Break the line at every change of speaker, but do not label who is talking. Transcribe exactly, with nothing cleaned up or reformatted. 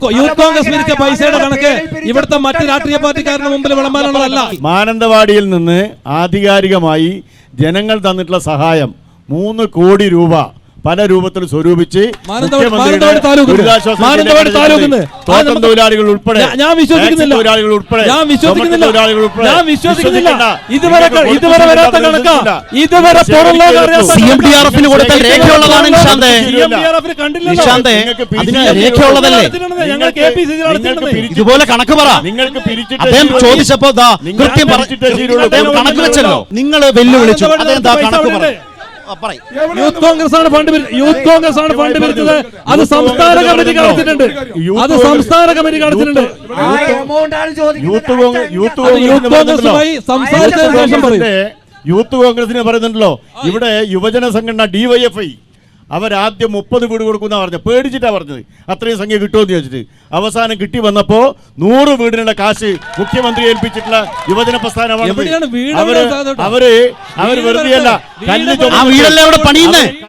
Youth Congress പിരിച്ച പൈസയുടെ കണക്ക് ഇവിടുത്തെ മറ്റ് രാഷ്ട്രീയ പാർട്ടിക്കാരുടെ മുമ്പിൽ വിളമ്പാനുള്ളതല്ല.
മാനന്തവാടിയിൽ നിന്ന് ആധികാരികമായി ജനങ്ങൾ തന്നിട്ടുള്ള സഹായം മൂന്ന് കോടി രൂപ പല രൂപത്തിൽ സ്വരൂപിച്ച് തൊഴിലാളികൾ ഉൾപ്പെടെ
ഞാൻ വിശ്വസിക്കുന്നില്ല
തൊഴിലാളികൾ ഉൾപ്പെടെ
ഞാൻ വിശ്വസിക്കുന്നില്ല ഞാൻ വിശ്വസിക്കുന്നില്ല ഇതുവരെ ഇതുവരെ വരാത്ത കണക്കാ ഇതുവരെ
സി എം ഡി ആർ എഫിന് കൊടുത്ത രേഖയുള്ളതാണ് നിശാന്തേ. നിശാന്തേ അതിന് രേഖയുള്ളതല്ലേ? ഇതുപോലെ കണക്ക് പറ. അദ്ദേഹം ചോദിച്ചപ്പോ കൃത്യം കണക്ക് വെച്ചല്ലോ. നിങ്ങൾ വെല്ലുവിളിച്ചു, അദ്ദേഹം കണക്ക് പറ.
യൂത്ത് കോൺഗ്രസ് ആണ് ഫണ്ട് യൂത്ത് കോൺഗ്രസ് ആണ് ഫണ്ട് പിരിച്ചത്. അത് സംസ്ഥാന കമ്മിറ്റി കാണിച്ചിട്ടുണ്ട്. അത് സംസ്ഥാന കമ്മിറ്റി കാണിച്ചിട്ടുണ്ട്.
യൂത്ത്
കോൺഗ്രസുമായി സംസാരിച്ചതിന് ശേഷം പറയും.
യൂത്ത് കോൺഗ്രസിനെ പറയുന്നുണ്ടല്ലോ, ഇവിടെ യുവജന സംഘടന ഡിവൈഎഫ്ഐ അവരാദ്യം മുപ്പത് വീട് കൊടുക്കുന്ന പറഞ്ഞത്, പേടിച്ചിട്ടാ പറഞ്ഞത് അത്രയും സംഖ്യ കിട്ടുമെന്ന് ചോദിച്ചിട്ട്. അവസാനം കിട്ടി വന്നപ്പോ നൂറ് വീടിനുള്ള കാശ് മുഖ്യമന്ത്രി ഏൽപ്പിച്ചിട്ടുള്ള യുവജന പ്രസ്ഥാനമാണ്. അവര് അവര് അവര് വെറുതെയല്ല, കല്ല്